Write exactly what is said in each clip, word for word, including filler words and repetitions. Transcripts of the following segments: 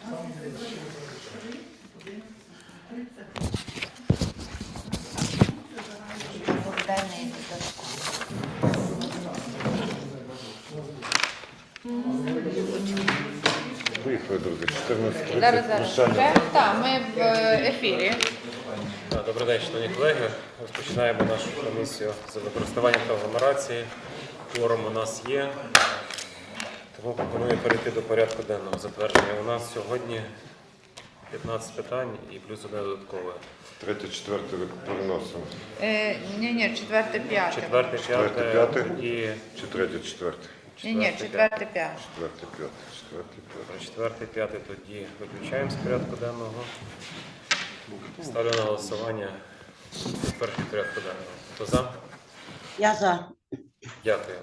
Виїхали, друзі, чотирнадцять Зараз, зараз. Вже? Так, ми в ефірі. Добрий день, шановні колеги. Розпочинаємо нашу комісію з використання та агломерації. Форум у нас є, тому пропоную перейти до порядку денного затвердження. У нас сьогодні п'ятнадцять питань і плюс одне додаткове. Третє, четверте переносимо. Е, ні, ні, четверте, п'яте. Четверте, Четверте, п'яте п'яте. і Чи третє, четверте? Ні, ні, четверте, п'яте. Четверте, п'яте. Четверте, п'яте. четверте, п'яте тоді виключаємо з порядку денного. Ставлю на голосування перший порядку денного. Хто за? Я за. Дякую.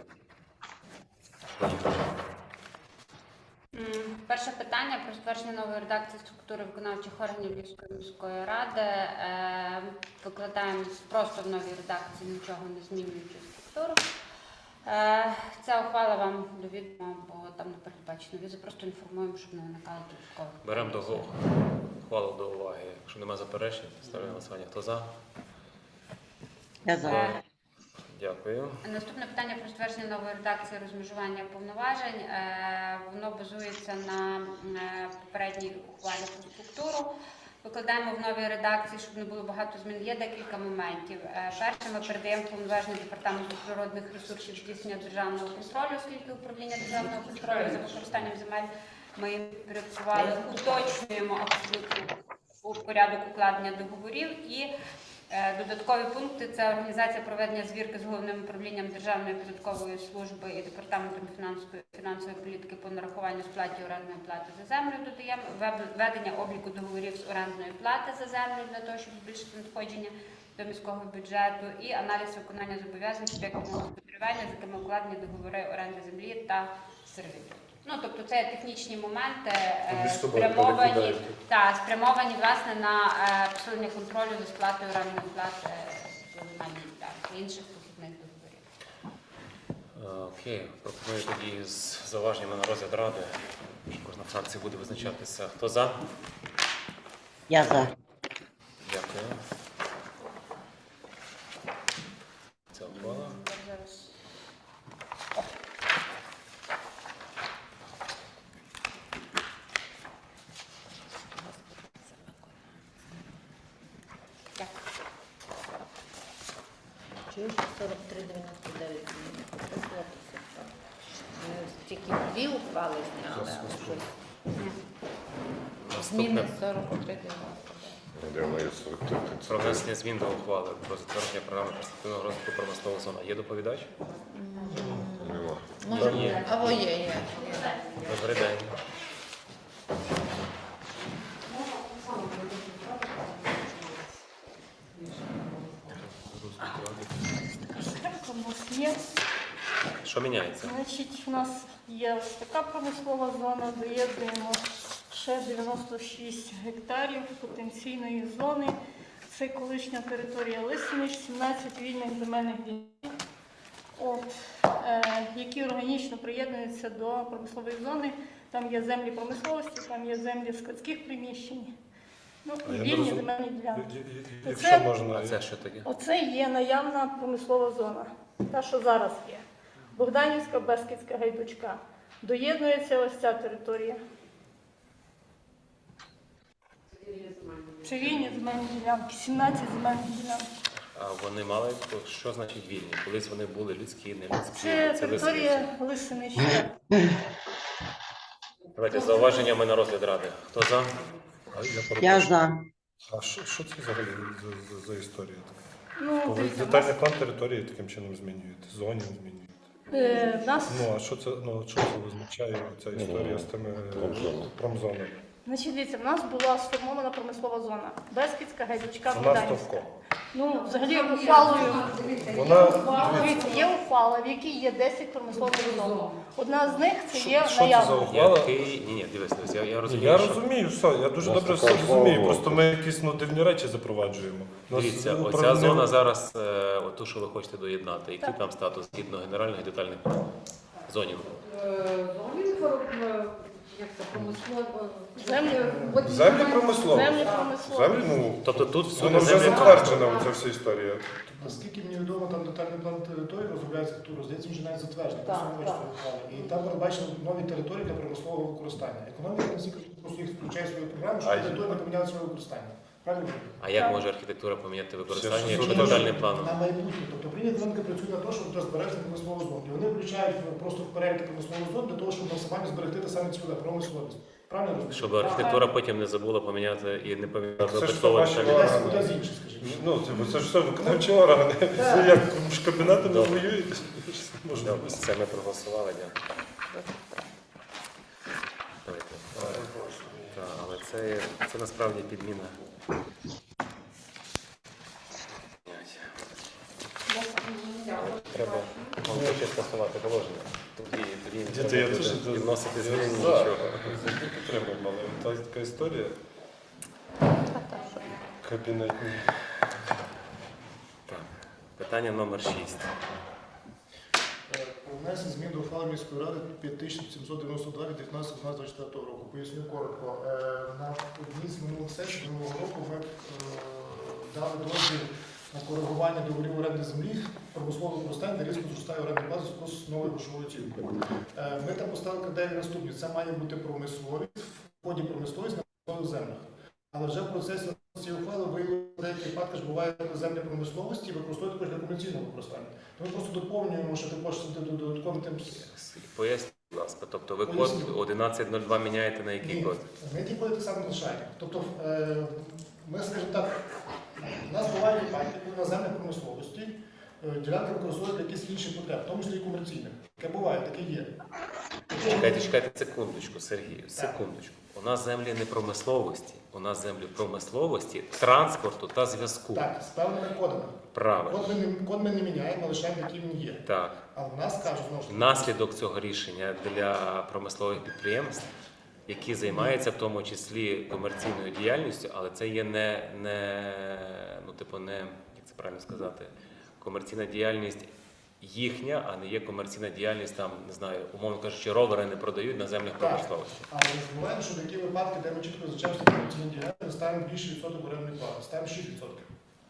Перше питання про затвердження нової редакції структури виконавчих органів Львівської міської ради. Е, Викладаємо просто в новій редакції, нічого не змінюючи структуру. Е, Ця ухвала вам до відома, бо там не передбачено візи, просто інформуємо, щоб не виникало додаткових. Беремо до ухвалу до уваги. Якщо немає заперечень, ставлю на голосування. Хто за? Я за. Е, Дякую. Наступне питання про затвердження нової редакції розмежування повноважень. Е, Воно базується на е, попередній ухвалі про структуру. Викладаємо в новій редакції, щоб не було багато змін. Є декілька моментів. Е, Перше, ми передаємо повноваження департаменту природних ресурсів здійснення державного контролю, оскільки управління державного контролю за використанням земель ми їм підпорядкували, уточнюємо абсолютно у порядок укладення договорів. І додаткові пункти – це організація проведення звірки з Головним управлінням Державної податкової служби і Департаментом фінансової, фінансової політики по нарахуванню сплаті орендної плати за землю. Додаємо ведення обліку договорів з орендної плати за землю для того, щоб збільшити надходження до міського бюджету, і аналіз виконання зобов'язань суб'єктів господарювання, з якими укладені договори оренди землі та сервітуту. Ну, тобто це технічні моменти, е, спрямовані, та, спрямовані власне на е, посилення контролю за сплатою орендної плати за земельні ділянки і інших похідних договорів. Окей, пропоную тоді з зауваженнями на розгляд ради, що кожна фракція буде визначатися. Хто за? Я за. Дякую. Це ухвала. Зараз. сорок три дев'яносто дев'ять тільки дві ухвали зняли, але щось. Зміни Наступне сорок три дев'яносто дев'ять. Де моє сорок три? про внесення змін до ухвали про затвердження програми перспективного розвитку промислової зони. Є доповідач? Нема. Може, Ні. або є, є. Добрий день. У нас є. Що міняється? Значить, у нас є ось така промислова зона, доєднуємо ще дев'яносто шість гектарів потенційної зони. Це колишня територія Лисинич, сімнадцять вільних земельних ділянок, от, е, які органічно приєднуються до промислової зони. Там є землі промисловості, там є землі складських приміщень. Ну, і вільні земельні ділянки. Якщо можна, А це що таке? Оце є наявна промислова зона, та, що зараз є. Богданівська, Бескідська, Гайдучка. Доєднується ось ця територія. Це вільні земельні ділянки, сімнадцять земельних ділянок. А вони мали, що значить вільні? Колись вони були людські, не людські. Це територія Лисиничі. Лисинича. Давайте з зауваженнями на розгляд ради. Хто за? а я Я перепрошую. за. А що, що це взагалі за, за, за історія така? Ну, Коли дивіться, детальний план території таким чином змінюєте, зонів змінюєте. е, нас, Ну, а що це, ну, що це означає, ця історія з тими Промзона. промзонами? значить, дивіться, в нас була сформована промислова зона. Бескідська, Гайдучка, Вона Богданівська. стовком. Ну, взагалі, ухвалою. Вона, Дивіться, є ухвала, в якій є десять промислових зон. Одна з них це є що це за наявна. ухвала? Який... Ні, ні, дивись, дивись, я, я розумію, Я що... розумію, все, я дуже У нас добре така все розумію, ухвала просто ми якісь ну, дивні речі запроваджуємо. У нас Дивіться, оця управління- зона зараз, е, оту, що ви хочете доєднати, який Так. там статус згідно генеральних і детальних зонів? Зонінг як це промислово. Землі. От Землі немає- промислові. Землі промислові. Землі, ну, Тобто тут воно всюди вже землі затверджена ця вся історія. Наскільки мені відомо, там детальний план території розробляється архітектура, здається, він вже навіть затверджений. Так, просто не так. вийшло ухвали. І там передбачено нові території для промислового використання. Економіка наскільки просто їх включає в свою програму, щоб А території не поміняли своє використання. Правильно? А як може архітектура поміняти використання, Ще якщо щось детальним планом? На майбутнє. Тобто Україна економіка працює на те, щоб зберегти промислову зону. І вони включають просто в перелік промислову зону для того, щоб максимально зберегти те саме ціле промисловість. Правильно розумію? Щоб архітектура потім не забула поміняти і не поміняла Це ж випадково ваші детальний органи. план. Десь кудись інше, скажімо. Ну, це, це ж все виконавчі органи. Це як між кабінетами Добре. воюєте. Можна Добре, це ми проголосували, дякую. Давайте. Так, але це, це насправді підміна. Треба вам хоче скасувати положення. Тоді, тоді не Діти, треба я буде теж відносити я зміни, за. нічого. Завжди підтримуємо, але та така історія. Кабінетні. Так. Питання номер шість. Е, Про внесення змін до ухвали міської ради п'ять тисяч сімсот дев'яносто два від дев'ятнадцятого дванадцятого двадцять четвертого року. Поясню коротко. Е, На одній з минулих сесій минулого року ми е, дали дозвіл на коригування договорів оренди землі, промислового використання, де різко зростає орендна плата з новою грошовою оцінкою. Е, Ми там поставили критерії наступні. Це має бути промисловість, в ході промисловість на промислових землях. Але вже в процесі цієї ухвали виявили, в деяких випадках ж буває землі промисловості і використовують також для комерційного використання. То ми просто доповнюємо, що також додатковим тим. Поясніть, будь ласка, тобто ви код Поясню. одинадцять нуль два міняєте на який Ні, код? ми ті коди так само лишаємо. Тобто, е, ми, скажімо так, у нас бувають випадки, коли на землях промисловості е, ділянки використовують для якісь інші потреб, в тому числі і комерційних. Таке буває, таке є. Чекайте, чекайте секундочку, Сергію, секундочку. У нас землі не промисловості, у нас землі промисловості, транспорту та зв'язку. Так, з певними кодами. Правильно. Код ми, не, код ми не міняємо, лишаємо, який він є. Так. Але в нас кажуть, знову ж таки, Наслідок цього рішення для промислових підприємств, які займаються в тому числі комерційною діяльністю, але це є не, не ну, типу, не, як це правильно сказати, комерційна діяльність їхня, а не є комерційна діяльність, там, не знаю, умовно кажучи, ровери не продають на землях Так. промисловості. але не забуваємо, що такі випадки, де ми чітко визначаємо, що комерційні діяльності, ми ставимо більший відсоток орендної плати, ставимо шість відсотків.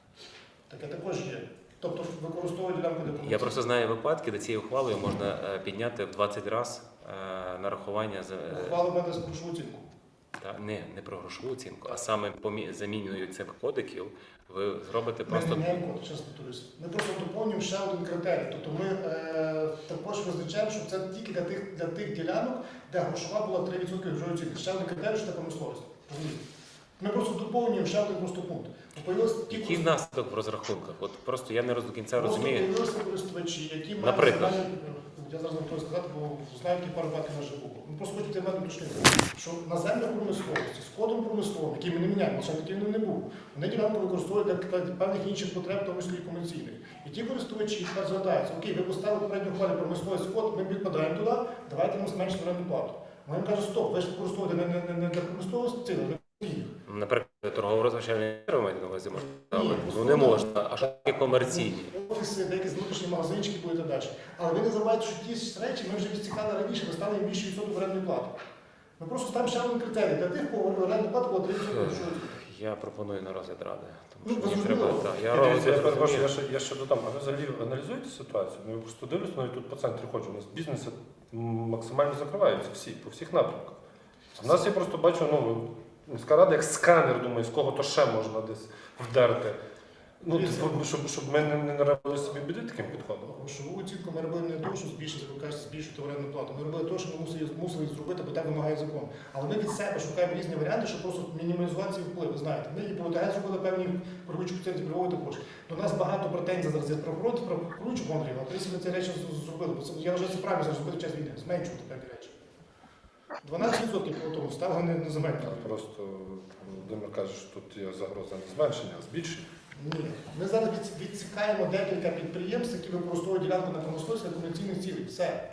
Таке також є. Тобто використовують ділянку для Я комерційної. просто знаю випадки, де цією ухвалою можна е, підняти в двадцять разів нарахування за е, Ухвали в мене з грошову оцінку. та не, не про грошову оцінку, а саме помі- заміною цих кодиків ви зробите просто Ми не міняємо код, ще раз повторюся. Ми просто доповнюємо ще один критерій. Тобто ми е, також визначаємо, що це тільки для тих, для тих ділянок, де грошова була три відсотки грошової оцінки. Ще один критерій, що це промисловість. Розумієте? Ми просто доповнюємо ще один просто пункт. Появилось ті який наслідок в розрахунках. От просто я не роз- до кінця Просто розумію. появилися користувачі, які мають Наприклад? загальні- я зараз не готовий сказати, бо знаю, які пару випадків вже було. Ми просто хочемо тебе уточнити, що на землях промисловості з кодом промисловим, який ми не міняємо, лише таким не був, вони ділянку використовують для певних інших потреб, в тому числі і комерційних. І ті користувачі тепер звертаються, окей, ви поставили попередню хвилю промисловість код, ми підпадаємо туди, давайте нам зменшити орендну плату. Ми їм кажемо, стоп, ви ж використовуєте не, не, не для промисловості, а для комерційних. Наприклад, торгово-розважальні маєте на увазі можна ставити? Ні, Ну не можна. А що таке комерційні? Офіси, деякі внутрішні магазинчики були і так далі. Але ви не забувайте, що ті ж речі ми вже відсікали раніше, ми стали їм більше відсоток орендної плати. Ми просто ставимо ще один критерій. Для тих, кого орендна плата була три відсотки. Я пропоную на розгляд ради. Ну, Тому що мені зрозуміло. треба. Так, я Я, розгляд я перепрошую, розумію. я ще, я ще додам, а ви взагалі аналізуєте ситуацію? Ну, я просто дивлюсь, навіть тут по центрі ходжу, у нас бізнеси м, максимально закриваються всі, по всіх напрямках. У нас я просто бачу, ну, міська рада як сканер, думаю, з кого то ще можна десь вдерти. Ну, типу, щоб, щоб ми не, не наробили собі біди таким підходом. Грошову оцінку ми робили не того, що збільшити, ви кажете, збільшити орендну плату. Ми робили те, що ми мусили, мусили зробити, бо так вимагає закон. Але ми від себе шукаємо різні варіанти, щоб просто мінімізувати ці впливи. Знаєте, ми і по ОТГ зробили певні пророчі коефіцієнти правової також. До нас багато претензій зараз є про фронт, про пророчу контролю, а ми ці речі зробили. Бо це, я вважаю, це правильно зараз зробити в час війни, зменшувати певні речі. дванадцять відсотків по тому ставили не, не заменшили. Просто Володимир каже, що тут є загроза не зменшення, а збільшення. Ні. Ми зараз від- відсікаємо декілька підприємств, які використовують ділянку на промисловість для комерційних цілей. Все.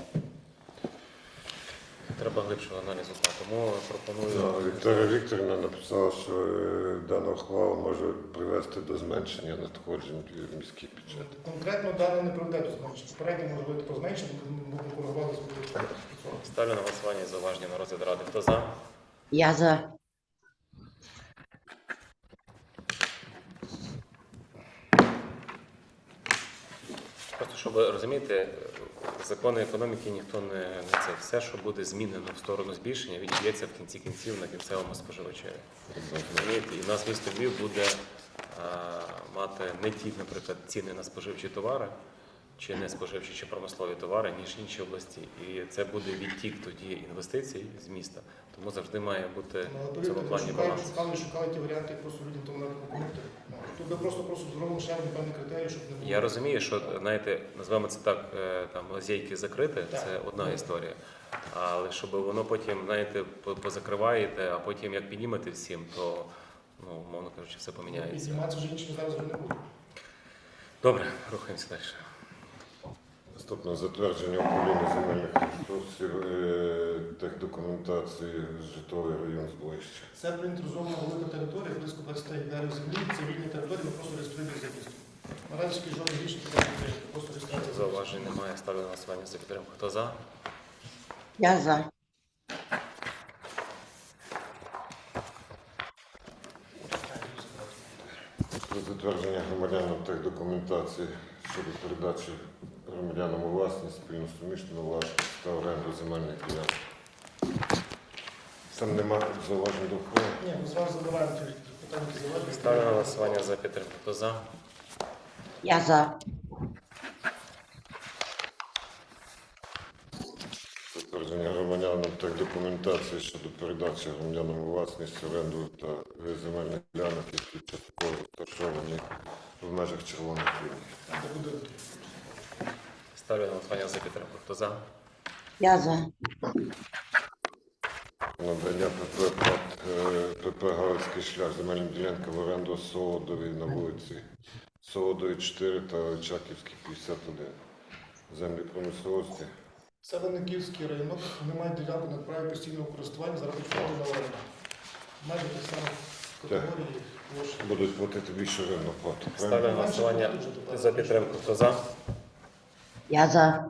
Треба глибшого аналізу. Тому пропоную. Ну, Вікторія Вікторівна написала, що е, дана ухвала може привести до зменшення надходжень в міський бюджет. Конкретно дане не приведе до зменшення. Попередньо може бути про зменшення, ми коригували з сорок. Ставлю на голосування зауваження на розгляд ради. Хто за? Я за. Просто щоб ви розумієте, закони економіки ніхто не, не це. Все, що буде змінено в сторону збільшення, відіб'ється в кінці кінців на кінцевому споживачеві. Розумієте? І в нас місто Львів буде а, мати не ті, наприклад, ціни на споживчі товари, чи не споживчі, чи промислові товари, ніж інші області. І це буде відтік тоді інвестицій з міста. Тому завжди має бути в цьому плані Шукали, баланс. шукали, шукали ті варіанти, як просто людям тому навіть допомогти. Тут ми просто просто зробимо ще один певний критерій, щоб не було. Я розумію, що, знаєте, назвемо це так, е, там, лазейки закрити, Так. це одна історія. Але щоб воно потім, знаєте, по- позакриваєте, а потім як піднімете всім, то, ну, мовно кажучи, все поміняється. Підніматися вже іншим зараз вже не буде. Добре, рухаємося далі. Наступне затвердження управління земельних ресурсів е, техдокументації житловий район Збоїще. Це проінтеризована велика територія, близько двадцять гектарів землі, це вільні території, ми просто реєструємо за містом. Наразі жодних рішень не прийняти, просто реєстрація. Зауважень немає, ставлю на голосування за підтримку. Хто за? Я за. Про затвердження громадянам техдокументації щодо передачі громадянам у власність, спільно суміщену власність та оренду земельних ділянок. Там нема зауважень до ухвали. Ні, ми з вами задаваємо ті питання, які заважені. Ставлю на голосування за підтримку. Хто за? Я за. Затвердження громадянам техдокументації щодо передачі громадянам у власність, оренду та земельних ділянок, які частково розташовані в межах червоних ліній. Це буде Ставлю на голосування за підтримку. Хто за? Я за. Надання ПП ПАТ, е, ПП Галицький шлях земельні ділянки в оренду Солодовій на вулиці Солодовій чотири та Очаківській п'ятдесят один. Землі промисловості. Це Винниківський районок, вони мають ділянку на праві постійного користування, зараз підходить на оренду. Майже ті самі категорії, площі. Будуть платити більше орендну плату. Ставлю на голосування за підтримку. Хто за? Я за.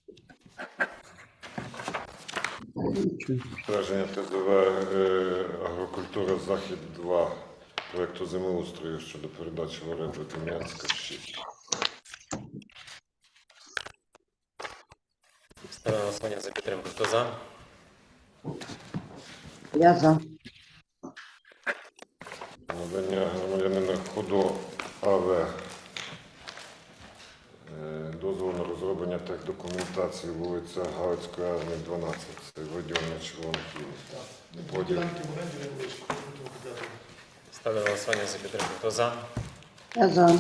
Страження ТЗВ е, Агрокультура Захід два проєкту землеустрою щодо передачі в оренду Дем'янська шість. Ставлю на голосування за підтримку. Хто за? Я за. Надання громадянина Худо АВ е, дозволу на розроблення техдокументації вулиця Галицької армії дванадцять. Це виділення червоних ліній. Дві ділянки в оренді не вийшли. Ставлю на голосування за підтримку. Хто за? Я за.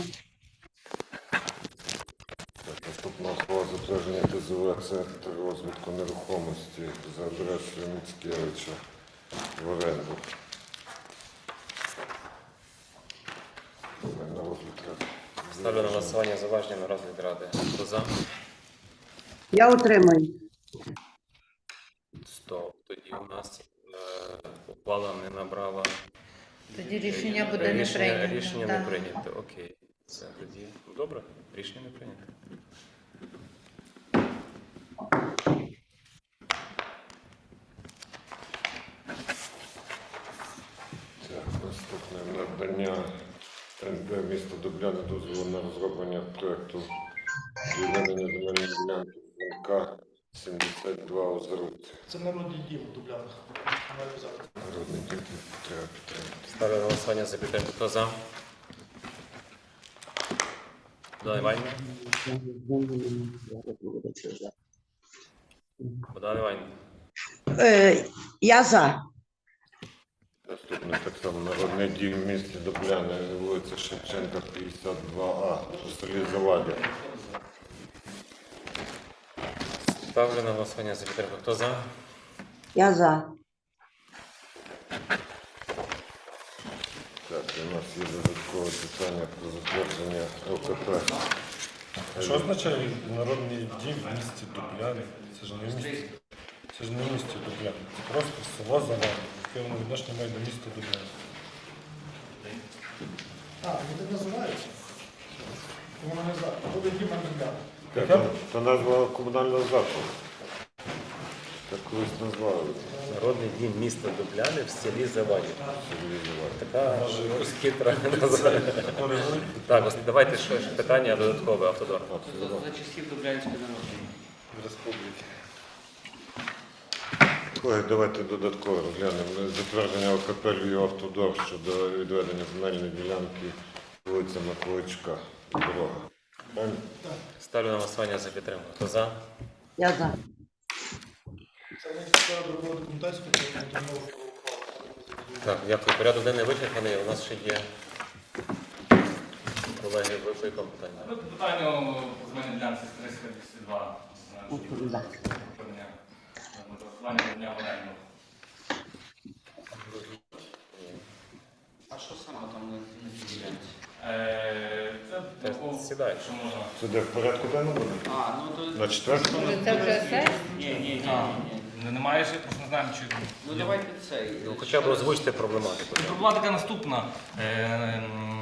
Так, наступна ухвала затвердження ТЗВ Центр розвитку нерухомості за адресою Міцкевича в оренду. На розгляд ради. Ставлю на голосування зауваження на розгляд ради. Хто за? Я утримую. Стоп. Тоді у нас е, ухвала не набрала. Тоді рішення буде не Рішення- прийнято. Рішення да. не прийнято. Окей. Це тоді добре. Рішення не прийнято. Так, наступне надання ен пе міста Дубляни дозволу на розроблення проєкту відведення земельної ділянки ен ка сімдесят два Озерут. Це народний дім у Дублянах. Маю взяти. Народний дім треба підтримати. Ставлю на голосування за підтримку. Хто за? Богдан Іванівна? Богдан Іванівна? Е, я за. Наступне так само народний дім в місті Дубляни, вулиця Шевченка, п'ятдесят два А, у селі Завадя. Ставлю на голосування за підтримку. Хто за? Я за. Так, у нас є додаткове питання про затвердження ЛКП. Що означає народний дім в місті Дубляни? Це ж не в місті. Це ж не в місті Дубляни. Це просто село Завади, яке воно відношення має до міста Дубляни. А, вони так називаються? Воно не знаю. Буде дім, а не Дубляни. Так, то- то назва комунального закладу. Так колись назвали. Народний дім міста Дубляни в селі Заваді. Така хитра назва. Так, ось давайте ще ще питання додаткове, автодор. За часів Дублянської народної Республіки. Колеги, давайте додатково розглянемо. Затвердження ОКП «Львів Автодор» щодо відведення земельної ділянки вулиця Миколайчука. Дорога. Правильно? Ставлю на голосування за підтримку. Хто за? Я за. Це не треба друкувати документацію, тому що мова про ухвалу. Так, дякую. Порядок денний вичерпаний. У нас ще є колеги, ви по якому питання? Ну, питання земельної ділянки триста двадцять два. Відповідаю. Голосування дня в оренду. А що саме там на цій ділянці? Це Ти такого, сідай. що можна. Це де в порядку денному буде? А, ну то... На четвертому? Може, це вже все? Ні, ні, ні, ні. Ну, немає ще, просто не знаємо, чи... Ну давайте цей. Ну, хоча б озвучте проблематику. Проблематика наступна. Е,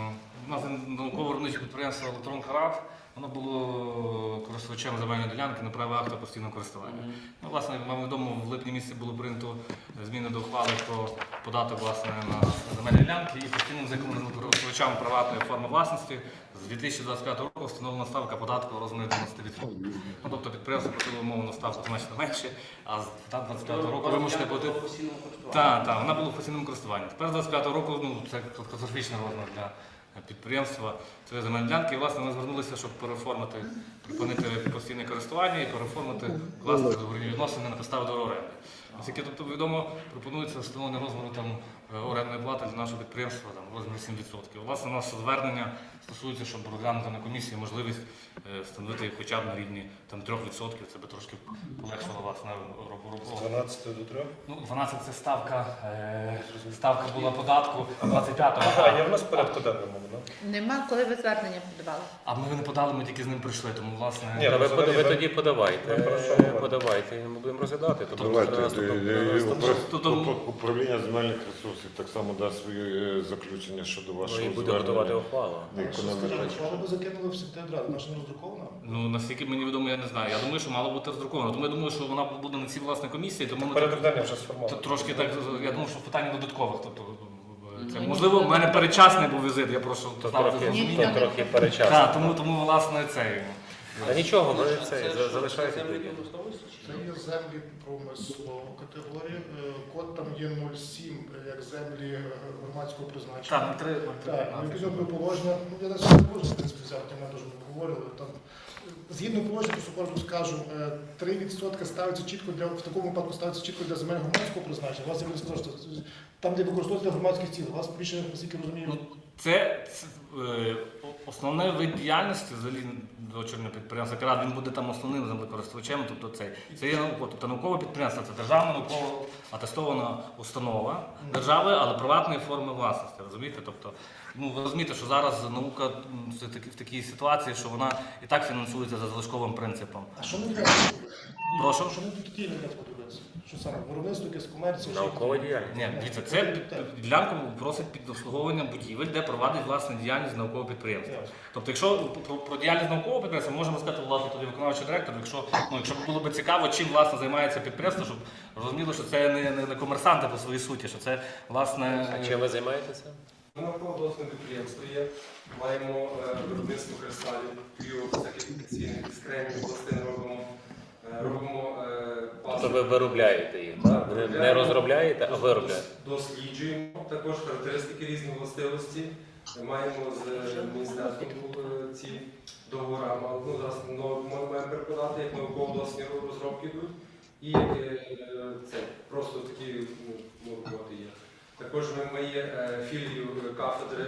У нас науково-виробниче підприємство «Електрон Харат», воно було користувачем земельної ділянки на право акта постійного користування. Ну, власне, вам відомо, в липні місяці було прийнято зміни до ухвали про податок власне, на земельні ділянки і постійним законом користувачам приватної форми власності з дві тисячі двадцять п'ятого року встановлена ставка податку у розмірі дев'яносто відсотків. Ну, тобто підприємство платило умовну ставку значно менше, а з двадцять п'ятого року вимушене платити. Так, так, вона була в постійному користуванні. Тепер з двадцять п'ятого року ну, це катастрофічний розмір для підприємства цієї земельної ділянки. І, власне, ми звернулися, щоб переформити, припинити постійне користування і переформити власне договірні відносини на підставі договору оренди. Оскільки, тобто, відомо, пропонується встановлення розміру там, орендної плати для нашого підприємства там, в розмірі сім відсотків. Власне, наше звернення стосується, щоб розглянути на комісії можливість е, встановити їх хоча б на рівні там, три відсотки. Це би трошки полегшило власне роботу. З дванадцяти до трьох? Ну, дванадцять це ставка, е, ставка була податку двадцять п'ятого. А, є в нас в порядку денному, так? Нема, коли ви звернення подавали. А ми не подали, ми тільки з ним прийшли, тому власне. Ні, Та ви, взагалі, ви ви- тоді подавайте, ви про що е, говорите? подавайте, і ми будемо розглядати. Тобто, Давайте, на наступному- е, на е, наступному- упра- Тобто- упра- управління земельних ресурсів так само дасть своє е, заключення щодо Ну, вашого і буде готувати звернення. ухвалу. на економіку. Ухвалу ви закинули в сектедрад, наша не роздрукована? Ну, наскільки мені відомо, я не знаю. Я думаю, що мало бути роздруковано. Тому я думаю, що вона буде на цій власне комісії, тому ми Порядок денний вже Т- сформований. трошки так, я думав, що питання додаткових. Тобто, це, Ну, можливо, в мене перечасний був візит, я прошу То ставити трохи, зрозуміння. то трохи перечасно. Так, тому, тому, власне, цей. Та нічого, ви це за- залишайте. тоді. Це є землі промислової категорії. Е, Код там є нуль сім, е, як землі е, громадського призначення. Так, три, Так, ну, відповідно до положення, ну я навіть не можу, в принципі, взяти, ми теж говорили. Там, е, згідно положення, просто коротко скажу, е, три відсотки ставиться чітко для, в такому випадку ставиться чітко для земель громадського призначення. У вас я сказав, що там, де використовується для громадських цілей, у вас більше, наскільки розумію, Ну, це, це е, основне вид діяльності взагалі дочірнього підприємства «Кират», він буде там основним землекористувачем, тобто це, це є наукове, тобто наукове підприємство, це державна науково атестована установа держави, але приватної форми власності, розумієте? Тобто, ну, ви розумієте, що зараз наука м, все таки в такій ситуації, що вона і так фінансується за залишковим принципом. а що ми для Прошу? що ми тут такі не подивитися? Що саме? Виробництво, якесь комерція? що? Наукова діяльність. Ні, дивіться, це під- ділянку просить під обслуговування будівель, де провадить власне діяльність наукового підприємства. Ясно. Тобто, якщо про, про діяльність наукового підприємства, ми можемо сказати, власне, тоді виконавчий директор, якщо, ну, якщо було б цікаво, чим власне займається підприємство, щоб розуміло, що це не, не, не комерсанти по своїй суті, що це власне. А чим ви займаєтеся? Науково-дослідне підприємство є. Маємо е, виробництво кристалів, піофізикаційних скремів, пластин робимо. Е, робимо е, Тобто ви виробляєте їх, так? Не, не розробляєте, а виробляєте. Досліджуємо також характеристики різні властивості. Маємо з міністерством е, ці договори. Ну, зараз ну, ми маємо переконати, як науково-дослідні розробки йдуть. І е, це просто такі ну, роботи є. Також ми, ми є е, філію кафедри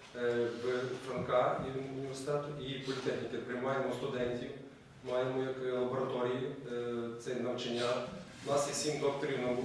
е, в Франка і університету і політехніки. Приймаємо студентів, маємо як лабораторії е, це навчання. У нас є сім докторів наук,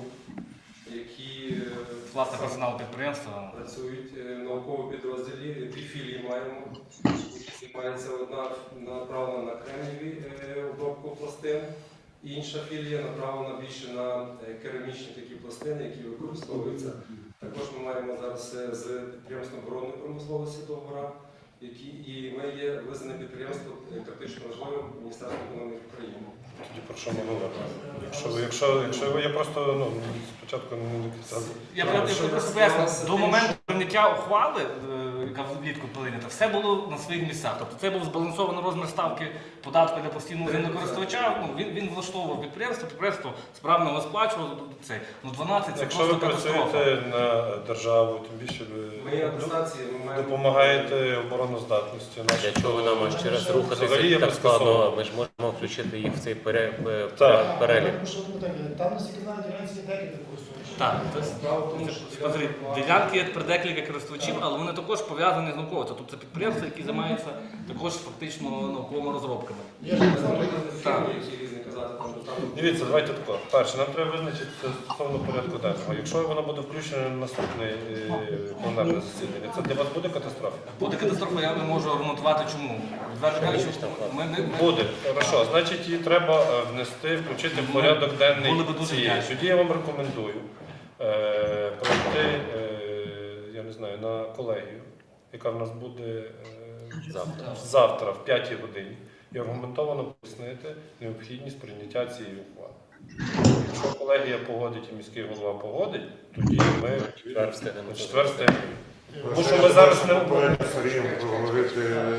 які е, Власне саме персонал підприємства. працюють е, в науковому підрозділі. Дві філії маємо. Займається одна направлена на кремнієві е, обробку пластин. Інша філія направлена більше на е, керамічні такі пластини, які використовуються. Також ми маємо зараз е, з підприємством оборонної промисловості договора, які і ми є визнане підприємство е, критично важливим Міністерством економіки України. Тоді про що ми говоримо? Якщо, якщо, якщо я просто ну, спочатку не до кінця. Я б- я б просто поясню, до моменту прийняття ухвали, е, яка влітку прийнята, все було на своїх місцях. Тобто це був збалансований розмір ставки податку для постійного землекористувача. Ну, він, він влаштовував підприємство, підприємство справно його сплачувало. Це, ну, дванадцять це Якщо ви просто катастрофа. працюєте на державу, тим більше ви допомагаєте обороноздатності. Для чого ви нам аж через Взагалі рухатися я так би складно? сказав. Ми ж можемо включити їх в цей пере- пе- Так. перелік. Тому що питання, там, наскільки знаю, ділянці є декілька користувачів. Так, смотри, ділянки є при декілька користувачів, але вони також пов'язані з науковцем. Тобто це підприємства, які займаються також фактично науковими розробками. Я ж не знаю, Так. Дивіться, давайте тако. Перше, нам треба визначитися стосовно порядку денного. Якщо воно буде включено на наступне е, пленарне засідання, це для вас буде катастрофа? Буде катастрофа, я не можу аргументувати чому. Відверто кажучи, ми, ми, ми, Буде. Хорошо, значить її треба е, внести, включити в порядок денний Були би дуже цієї. вдячні. Тоді я вам рекомендую е, пройти, е, я не знаю, на колегію, яка в нас буде е, Завтра. завтра в п'ятій годині, і аргументовано пояснити необхідність прийняття цієї ухвали. Якщо колегія погодить і міський голова погодить, тоді ми Четвер встигнемо. на четвер встигнемо. Тому що ми зараз не попередньо Сергієм поговорити.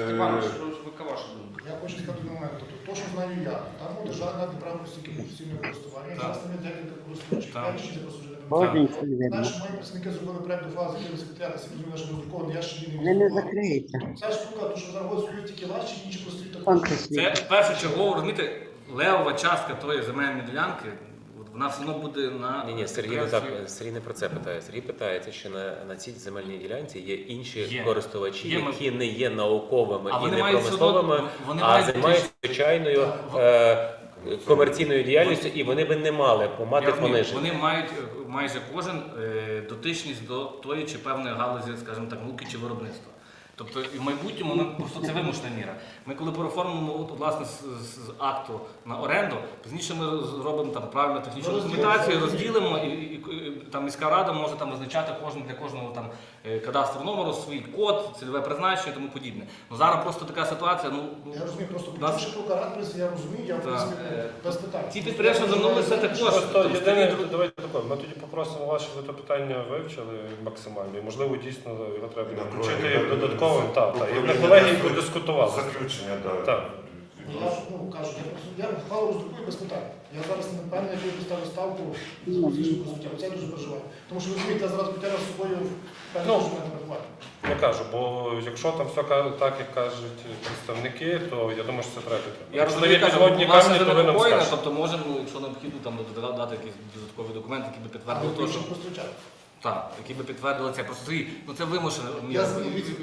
Я хочу сказати один момент. Тобто, то, що знаю я, там у державна право постійки постійного користування, зараз там є декілька користувачів. Так. Я ще не послужив. Один це видно. Знаєш, мої працівники зробили проект до фази, який секретаря, я розумію, що роздрукований, я ще її Вони не не закриються. Ця штука, то що зараз стоїть тільки ваші, інші прості також. Тонко це світ. першочергово, розумієте, левова частка тої земельної ділянки, от вона все одно буде на Ні, ні, Сергій не так. підприємстві. Сергій не про це питає. Сергій питається, що на, на цій земельній ділянці є інші Є. користувачі, Є, ми- які не є науковими А і вони не мають промисловими, все одно- вони а мають займаються фактично- звичайною е, комерційною діяльністю, і вони би не мали Я мати розумію, пониження. Вони мають е, майже кожен е, дотичність до тої чи певної галузі, скажімо так, науки чи виробництва. Тобто і в майбутньому ми просто це вимушена міра. Ми коли переоформимо от, власне з, з акту на оренду, пізніше ми зробимо там правильну технічну документацію, розділимо і, і, і там міська рада може там визначати кожен для кожного там е, кадастрового номеру свій код, цільове призначення і тому подібне. Ну зараз просто така ситуація. Ну Я розумію, просто Нас- почувши про каратися, я розумію, я в принципі без питань. ці підприємства звернулися також. Просто Тобто, єдине, старі- давайте таке, ми тоді попросимо вас, щоб ви це питання вивчили максимально. І можливо дійсно його треба На включити колегії, додатковим. да, Так, так. І управління на колегії дасть подискутували. Заключення, так. Так. Я ж, ну, кажу, я просто я ухвалу роздрукую без питань. Я зараз не певний, яку я поставлю ставку з фізичного суття. Оце я дуже переживаю. Тому що розумієте, я зараз потягну з собою певні Ну, документи рахувати. Я кажу, бо якщо там все ка- так, як кажуть представники, то я думаю, що це треба. Я Якщо розумію, є кажу, підводні власне камні, то ви нам занепокоєння, скажете. тобто можемо, ну, якщо необхідно, там додати дати якісь додаткові документи, які би Але підтвердили те, що іншим користувачам. так, які би підтвердили це. Просто Сергій, ну це вимушено. Я Я-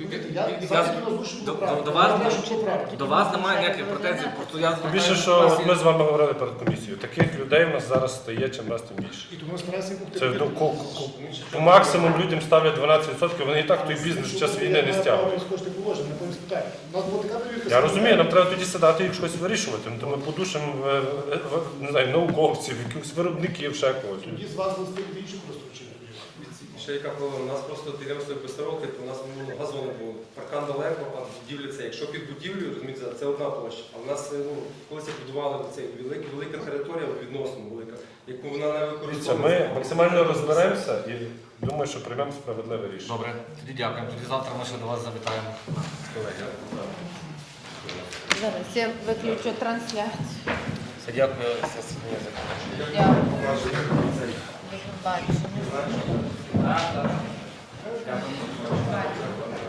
я я- зараз тільки озвучую до- правду. до вас- Я знаю, що правда. До вас немає ніяких претензій, просто я Тим більше, що от ми з вами говорили перед комісією, таких людей в нас зараз стає чим раз тим більше. І тому стараюся їх Це до ко- ко- по максимуму людям ставлять дванадцять відсотків, вони і так той бізнес в час війни не стягують. Кошти положення, не повинні спитати. У нас була така перевірка. Я розумію, нам треба тоді сідати і щось вирішувати. Ну, то ми подушимо е, е, е, не знаю, науковців, якихось виробників, ще когось. Тоді з вас листи від інших користувачів. Ще яка проблема? У нас просто підприємство без роки, у нас ну, газони були. Паркан далеко, а будівля це. Якщо під будівлею, розумієте, це одна площа. А в нас ну, колись як будували цей велика, велика територія, відносно велика, яку вона не Дивіться, використовується. ми максимально розберемося і думаю, що приймемо справедливе рішення. Добре, тоді дякуємо. Тоді завтра ми ще до вас завітаємо з колегами. Зараз я виключу трансляцію. Все, дякую, засідання закінчено. Дякую. До побачення. Так, так. Дякую. Бачення.